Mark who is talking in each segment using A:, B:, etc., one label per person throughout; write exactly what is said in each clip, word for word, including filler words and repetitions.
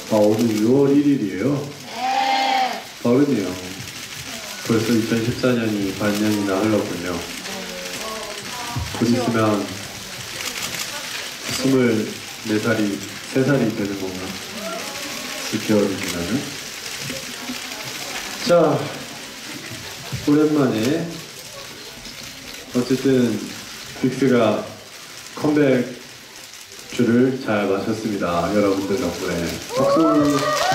A: 아, 오늘 유월 일일이에요?
B: 네.
A: 빠르네요. 벌써 이천십사 년이 반년이나 흘렀군요. 곧 있으면 스물네 살이, 세 살이 되는 건가? 육 개월이 지나면. 자, 오랜만에 어쨌든 빅스가 컴백 주를 잘 마쳤습니다. 여러분들 덕분에 박수.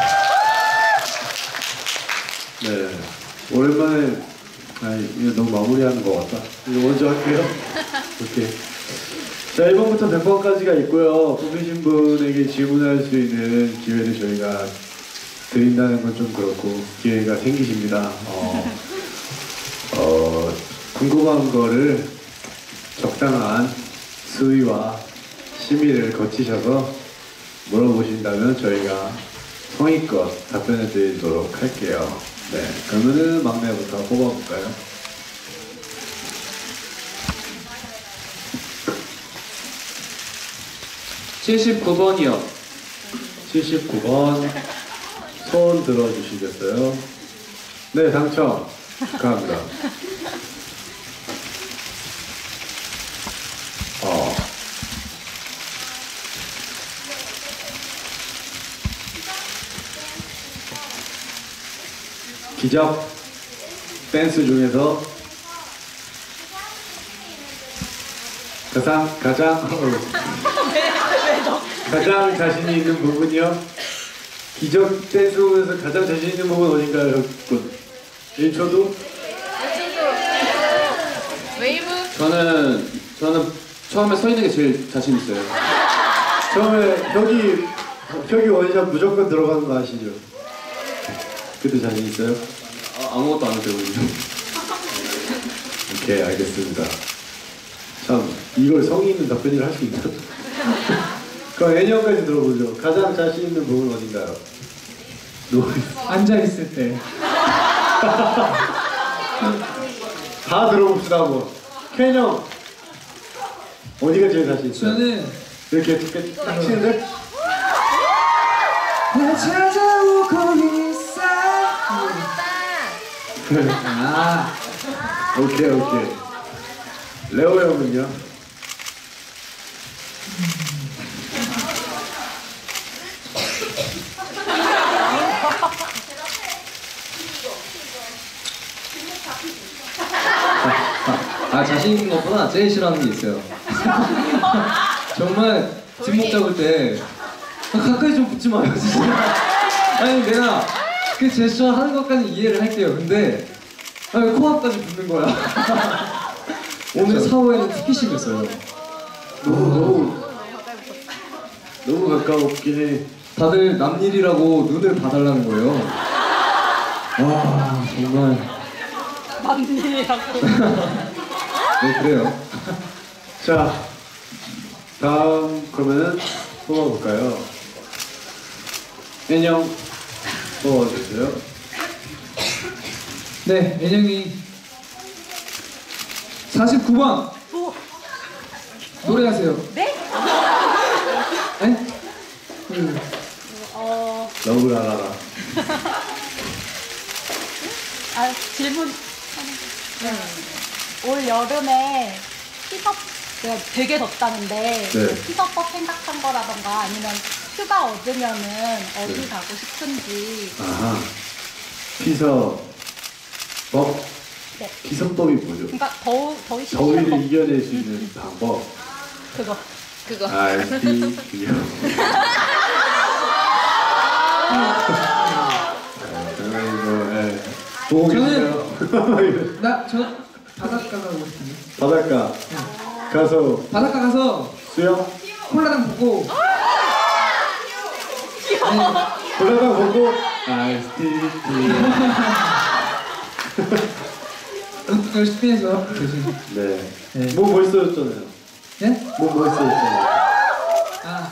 A: 네, 오랜만에. 아니, 이거 너무 마무리하는 것 같다. 이거 먼저 할게요. 오케이. 자, 일 번부터 백 번까지가 있고요. 뽑히신 분에게 질문할 수 있는 기회를 저희가 드린다는 건 좀 그렇고 기회가 생기십니다. 어, 어, 궁금한 거를 적당한 수위와 심의를 거치셔서 물어보신다면 저희가 성의껏 답변해 드리도록 할게요. 네, 그러면은 막내부터 뽑아볼까요?
C: 칠십구 번이요.
A: 칠십구 번 손 들어주시겠어요? 네, 당첨 축하합니다. 어. 기적 댄스 중에서 가장 가장 가장 자신이 있는 부분이요? 기적 댄스 부분에서 가장 자신 있는 부분 어딘가요? 일 초도?
B: 웨이브.
C: 저는 저는 처음에 서 있는 게 제일 자신 있어요.
A: 처음에 혁이 혁이 원샷 무조건 들어가는 거 아시죠? 그때 자신 있어요?
C: 아, 아무것도 안 해도 되거든요.
A: 오케이, 알겠습니다. 참, 이걸 성의 있는 답변을 할 수 있나? 그럼 애니언까지 들어보죠. 가장 자신 있는 부분 어딘가요? 누워
D: 앉아 있을 때.
A: 다 들어봅시다 한번. 켄 형, 어디가 제일 자신 있어요?
D: 저는
A: 이렇게 이렇게 딱 치는데?
D: 나 찾아오고 있어. 아,
A: 오케이 오케이. 레오 형은요?
C: 아, 자신 있는 것보다 제일 싫어하는 게 있어요. 정말 뒷목 잡을 때 아, 가까이 좀 붙지 마요, 진짜. 아니, 내가 그 제스처 하는 것까지 이해를 할게요. 근데 아, 코앞까지 붙는 거야. 오늘 사후에는 특히 심했어요.
A: 너무 너무 너무 가까웠긴 해.
C: 다들 남일이라고 눈을 봐달라는 거예요. 와, 정말.
B: 남일이라고.
C: 네, 그래요.
A: 자, 다음 그러면은 뽑아볼까요? 인형 뽑아주세요.
D: 네, 애정이 사십구 번 노래하세요.
B: 네?
D: 네? 음.
B: 어.
A: 너무 알아라.
B: 아, 질문. 네. 올 여름에 피서 내가 되게 덥다는데
A: 네.
B: 피서법 생각한 거라던가 아니면 휴가 얻으면은 어디
A: 네.
B: 가고 싶은지.
A: 아하. 피서법?
B: 네.
A: 피서법이 뭐죠?
B: 그러니까 더우 더위
A: 더위를
B: 법.
A: 이겨낼 수 있는 방법.
B: 그거. 그거.
A: 알비 기요. 보고 계시나요?
D: 나, 저 바닷가 가고 싶은데.
A: 바닷가 가서
D: 바닷가 가서
A: 수영?
D: 콜라당 보고.
A: 바닷가 보고 아이스티
D: 열심히 해서 대신.
A: 네.
D: 네.
A: 뭐 멋있어졌잖아요.
D: 예?
A: 뭐 멋있어졌잖아요.
D: 아,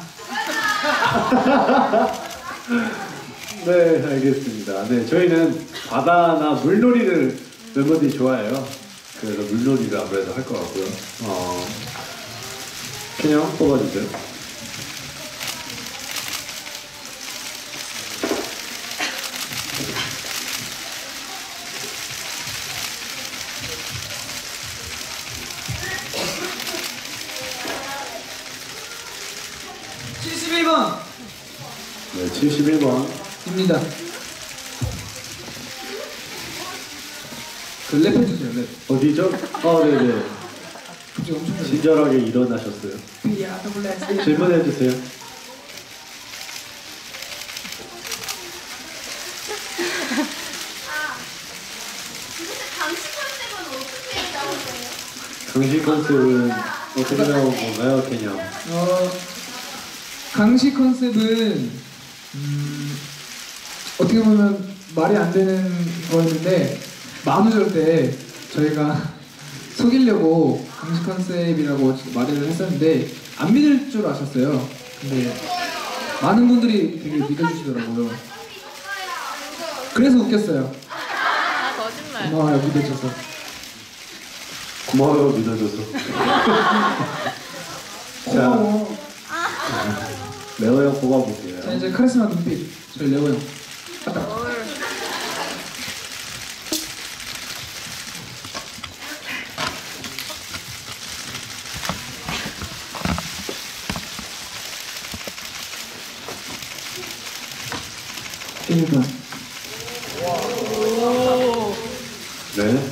A: 네, 알겠습니다. 네, 저희는 바다나 물놀이를 멤버들이 좋아해요. 그래서 물놀이를 아무래도 할 것 같고요. 어, 그냥 뽑아주세요. 칠십일 번.
D: 입니다. 그 랩해주세요, 랩.
A: 어디죠? 아, 네네.
D: 갑자기 엄청 잘해.
A: 친절하게 일어나셨어요.
D: 야, 더블 S.
A: 질문해주세요. 강식 컨셉은 어떻게 나온 건가요, 개념?
D: 어, 강시 컨셉은 음, 어떻게 보면 말이 안 되는 거였는데 만우절 때 저희가 속이려고 강시 컨셉이라고 말을 했었는데 안 믿을 줄 아셨어요. 근데 많은 분들이 되게 믿어주시더라고요. 그래서 웃겼어요.
B: 아, 거짓말.
D: 고마워요, 믿어줘서.
A: 고마워요, 믿어줘서. 자,
D: 고마워.
A: 레오 형 뽑아볼게요.
D: 자, 이제 카리스마 눈빛. 저희 레오 형. 갔다. 일 번.
A: 네.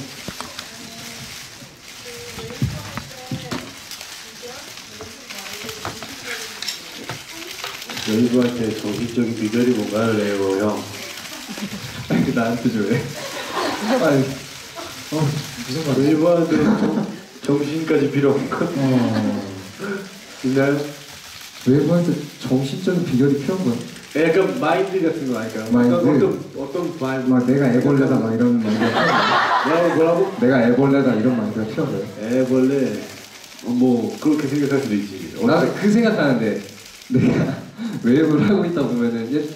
A: 여의도한테 정신적인 비결이 뭔가요, 레오 형?
C: 아니, 나한테 줘, 왜? 아니, 어, 무슨 말이야?
A: 여의도한테 정, 정신까지 필요 없는 것
D: 어.
A: 있나요?
C: 외부한테 정신적인 비결이 필요한 거야.
A: 약간 마인드 같은 거 아닐까요?
C: 마인드?
A: 어떤, 어떤 마인드?
C: 막 내가 애벌레다 막 이런 마인드가 필요한 거야.
A: 뭐라고, 뭐라고?
C: 내가 애벌레다 이런 마인드가 필요한 거야.
A: 애벌레, 어, 뭐 그렇게 생각할 수도 있지.
C: 나는 그 생각하는데 내가 웨이브를 하고 있다 보면은 예...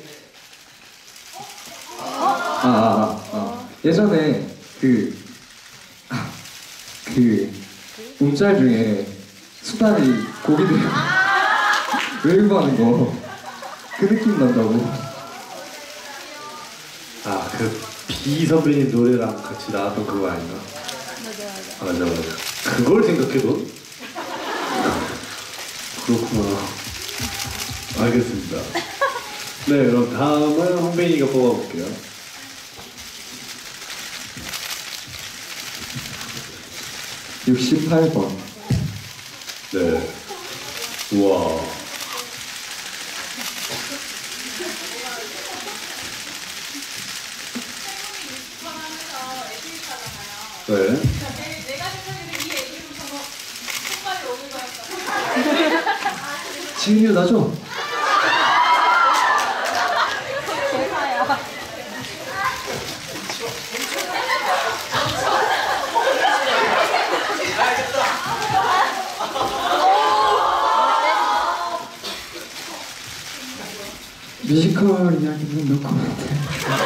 C: 아, 아, 아, 아. 예전에 그, 아, 그 움짤 중에 수다리 고기들 웨이브 하는 거 그 느낌 난다고.
A: 아, 그 비 선배님 노래랑 같이 나왔던 그거 아닌가?
B: 맞아, 맞아.
A: 맞아, 맞아. 그걸 생각해도? 그렇구나. 알겠습니다. 네, 그럼 다음은 홍빈이가 뽑아볼게요.
C: 육십팔 번.
A: 네. 우와. 네.
E: 내가 생각에는 이 얘기로 정말 손발이 오는 거였다.
C: 지은이 나죠?
B: 대사야.
D: 뮤지컬 이야기는 놓고 같아.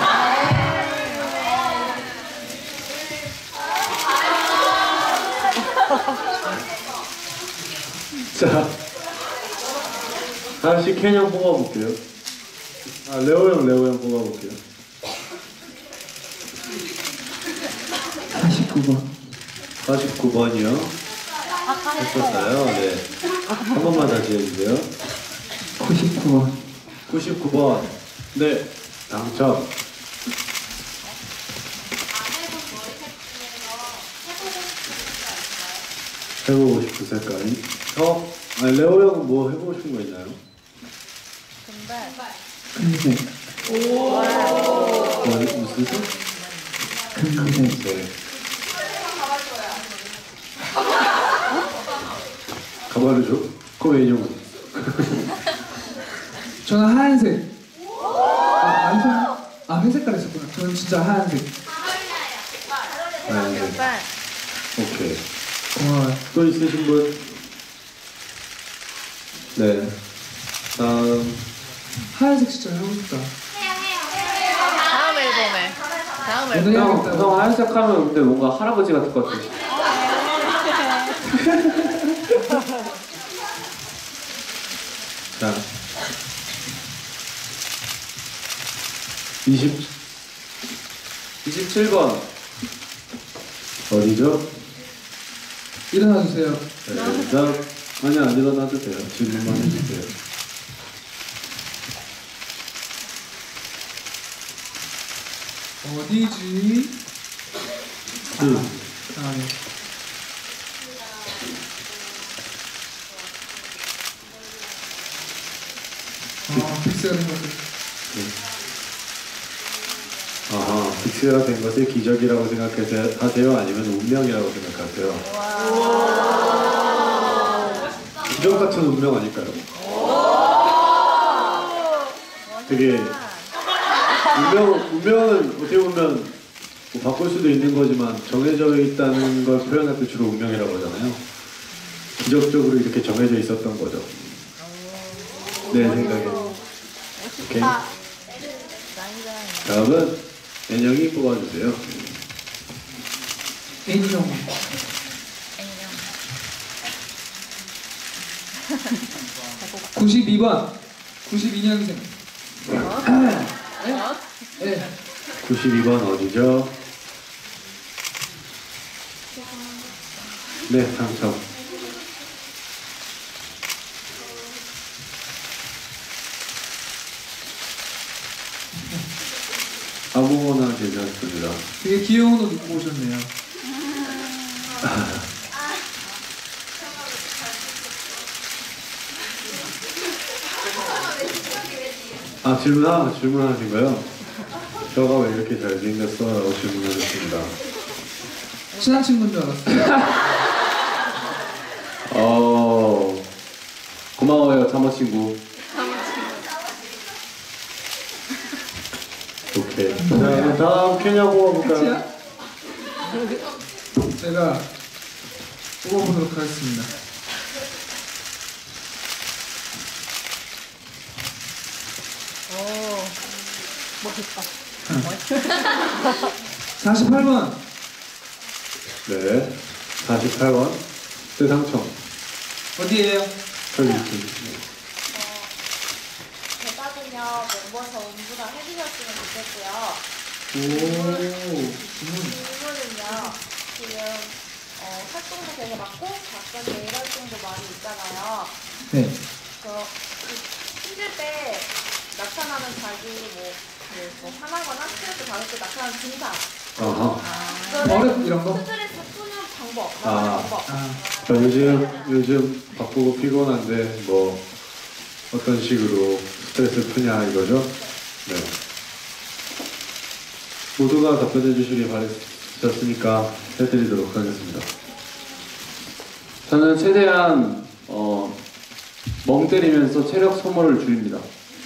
A: 자, 다시 캔형 뽑아볼게요. 아, 레오 형, 레오 형 뽑아볼게요.
D: 사십구 번.
A: 사십구 번이요.
B: 아까
A: 했었어요. 네. 한 번만 다시 해주세요.
D: 구십구 번.
A: 구십구 번. 네. 당첨. 해보고 싶은 색깔이? 어? 아니, 레오 형은 뭐 해보고 싶은 거 있나요?
B: 근데
D: 금색.
A: 뭐, 무슨 색?
D: 금색.
A: 네. 가발을 줘? 그거 왜 인형은?
D: 저는 하얀색. 아, 아니죠? 아, 회색깔 있었구나. 저는 진짜 하얀색.
A: 아, 네.
B: 근데
A: 오케이.
D: 고마워요.
A: 또 있으신 분? 네. 다음.
D: 하얀색 진짜 하고 싶다.
B: 다음 앨범에 다음 앨범.
D: 오늘
C: 형,
D: 해야겠다.
C: 형 하얀색 하면 근데 뭔가 할아버지 같을 것 같아.
A: 자. 이십,
C: 이십칠 번.
A: 어디죠?
D: 일어나 주세요.
A: 네, 나, 아니, 안 일어나도 돼요. 질문만 해주세요.
D: 어디지?
A: 음.
D: 아, 네. 아, 픽스가 된 것을.
A: 아하, 빅스가 된 것을 기적이라고 생각하세요? 아니면 운명이라고 생각하세요? 기적 같은 운명 아닐까요? 되게 운명, 운명은 어떻게 보면 뭐 바꿀 수도 있는 거지만 정해져 있다는 걸 표현할 때 주로 운명이라고 하잖아요. 기적적으로 이렇게 정해져 있었던 거죠. 내 생각에. 오케이. 다음은 애녕이 뽑아주세요.
D: 애니형. 구십이 번. 구십이 년생. 네.
A: 구십이 번 어디죠? 네, 당첨. 아무거나 괜찮습니다.
D: 되게 귀여운 옷 입고 오셨네요.
A: 아, 질문 하나, 질문하신 거요? 저가 왜 이렇게 잘생겼어? 라고 질문하셨습니다.
D: 친한 친구인 줄 알았어요.
C: 어 고마워요 참호 친구.
A: 오케이. 자, 그럼 다음 케냐 뽑아볼까요?
D: 제가 뽑아보도록 하겠습니다.
B: 오, 멋있다.
D: 사십팔 번.
A: 네. 사십팔 번. 네, 당첨.
D: 어디에요?
A: 저기 있습니다.
E: 대답은요 멤버 전부 다 해주셨으면 좋겠고요.
D: 오. 질문.
E: 질문은요 지금 어, 활동도 되게 많고 작전 대일 활동도 많이 있잖아요.
D: 네.
E: 그래서 그 힘들 때 나타나는 자기 뭐, 뭐, 뭐 화나거나 스트레스 받을 때 나타나는 증상.
A: 아하.
D: 버릇 이런 거?
E: 스트레스 푸는 방법.
A: 아.
E: 나가는 방법.
D: 아.
A: 자, 요즘, 요즘 바쁘고 피곤한데, 뭐, 어떤 식으로 스트레스 푸냐 이거죠? 네. 모두가 답변해 주시길 바랬었으니까 해드리도록 하겠습니다.
C: 저는 최대한 어, 멍 때리면서 체력 소모를 줄입니다.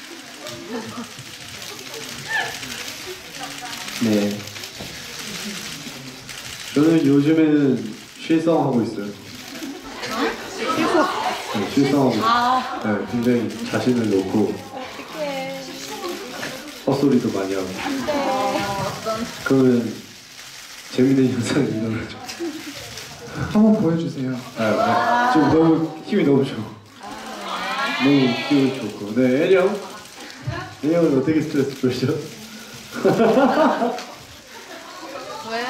C: 네.
A: 저는 요즘에는 쉴성하고 있어요. 네, 쉴성하고 있어요. 네, 굉장히 자신을 놓고 헛소리도 많이 하고. 그러면 재밌는 현상이 일어나죠.
D: 한번 보여주세요.
A: 아, 아, 지금 너무 힘이 너무 좋아. 너무 힘이 좋고. 네, 애령. 애령은 어떻게 스트레스 풀죠?
E: 왜?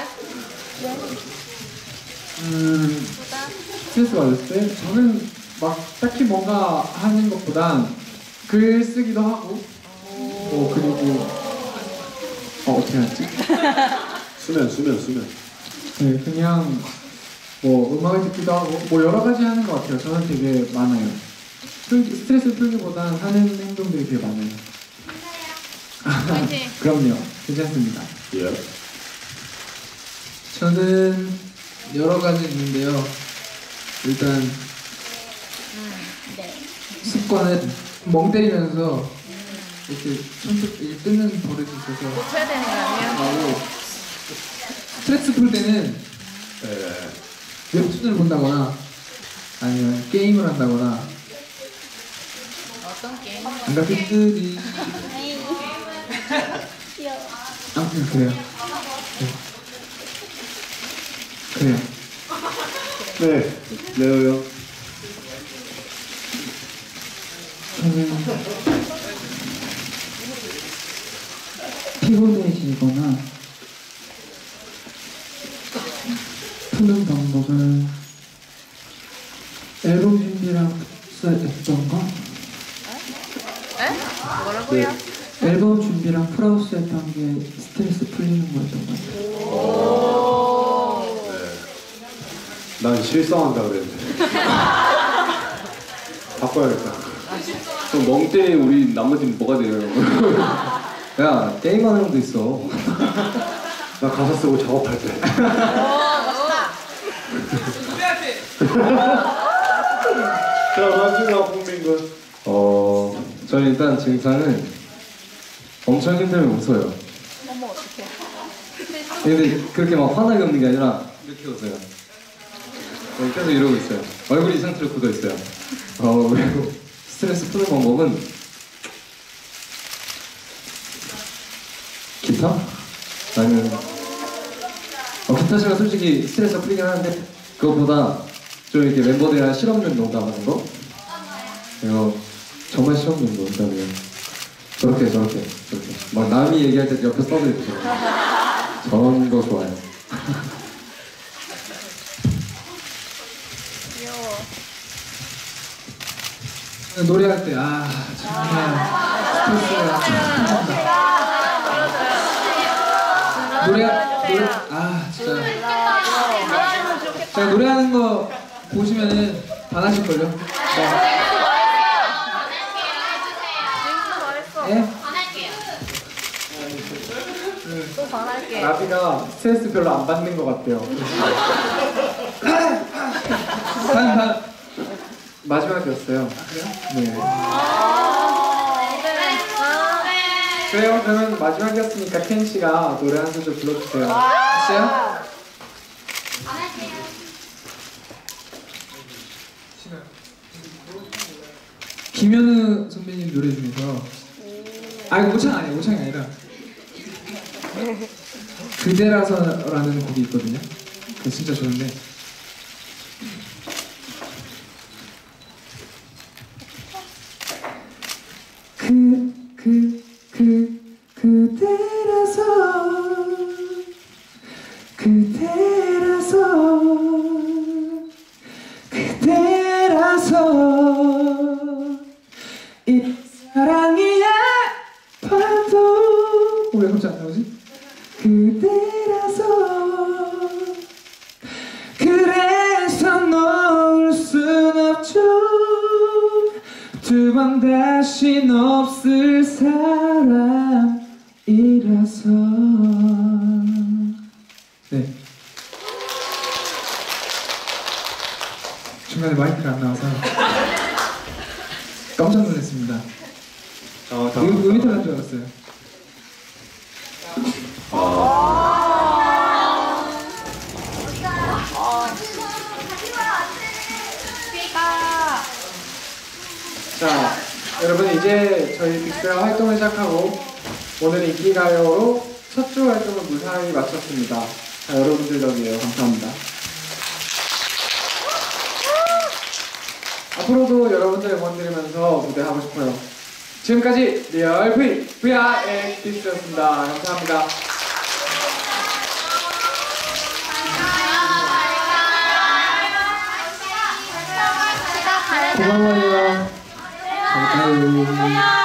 D: 음, 스트레스 받을 때 저는 막 딱히 뭔가 하는 것보단 글 쓰기도 하고 뭐 그리고 어 어떻게 하지?
A: 수면, 수면, 수면.
D: 네, 그냥 뭐 음악을 듣기도 하고 뭐 여러 가지 하는 것 같아요. 저는 되게 많아요. 풀, 스트레스 풀기보다는 하는 행동들이 되게 많아요.
E: 화이팅!
D: 그럼요. 괜찮습니다.
A: 예.
D: 저는 여러 가지 있는데요. 일단
E: 네.
D: 습관은 멍 때리면서 이렇게 손톱 이렇게 뜯는 버릇이 있어서
E: 고쳐야 되는 거 아니에요?
D: 하고 스트레스 풀 때는
A: 네.
D: 웹툰을 본다거나 아니면 게임을 한다거나
E: 어떤 게임?
D: 안가피들이
B: 귀여워.
D: 아무튼 그래요. 네. 그래요.
A: 네, 레오요.
D: 저는 피곤해지거나 푸는 방법은 앨범 준비랑 했던 거?
E: 에? 뭐라고요?
A: 네.
D: 앨범 준비랑 풀하우스 했던 게 스트레스 풀리는 거였던 것 같아요.
A: 네. 난 실성한다 그랬는데. 바꿔야겠다.
C: 그럼 멍 때린 우리 나머지는 뭐가 돼요? 야, 게임하는 형도 있어.
A: 나 가사 쓰고 작업할 때. 자, 마지막 국민군.
C: 어, 저는 일단 증상은 엄청 힘들면 웃어요.
E: 어머 어떡해.
C: 근데 그렇게 막 화나게 웃는 게 아니라 이렇게 웃어요. 네, 계속 이러고 있어요. 얼굴이 이 상태로 굳어 있어요. 어, 그리고 스트레스 푸는 방법은 기타? 아니면 어, 기타 치면 솔직히 스트레스가 풀리긴 하는데 그것보다 좀 이렇게 멤버들이랑 실없는 농담하는 거? 이거 정말 실없는 농담이에요. 저렇게 저렇게 저렇게 막 남이 얘기할 때 옆에 써드리고 저런 거 좋아해요.
E: 귀여워.
D: 노래할 때 아 정말 스트레스가 노래 노래 아 진짜 제가 노래하는 거 보시면은 반하실 걸요. 네. 예?
E: 또 반할게.
D: 나비가 스트레스 별로 안 받는 것 같아요. 단, 단 마지막이었어요. 그래요? 네. 그래요? 그러면 마지막이었으니까 켄 씨가 노래 한 소절 불러주세요. 아시요? 김현우 선배님 노래 중에서 아 이거 오창 아니에요. 오창이 아니라 그대라서라는 곡이 있거든요. 그거 진짜 좋은데 그, 그, 그, 그대라서 그대라서 그대라서 이 사랑이 아파도 왜 갑자기 안 나오지? 그대라서 그래서 놓을 순 없죠. 두 번 다신 없을 사람이라서. 네. 중간에 마이크가 안 나와서 깜짝 놀랐습니다.
A: 어,
D: 음, 음이 탈난 줄 알았어요. 자, 여러분 이제 저희 빅스가 활동을 시작하고 오늘 인기가요로 첫 주 활동을 무사히 마쳤습니다. 자, 여러분들 덕이에요. 감사합니다. 앞으로도 여러분들 응원 드리면서 무대하고 싶어요. 지금까지 리얼 V, 브이아르의 빅스였습니다. 감사합니다. 고마워요. 잘 가요.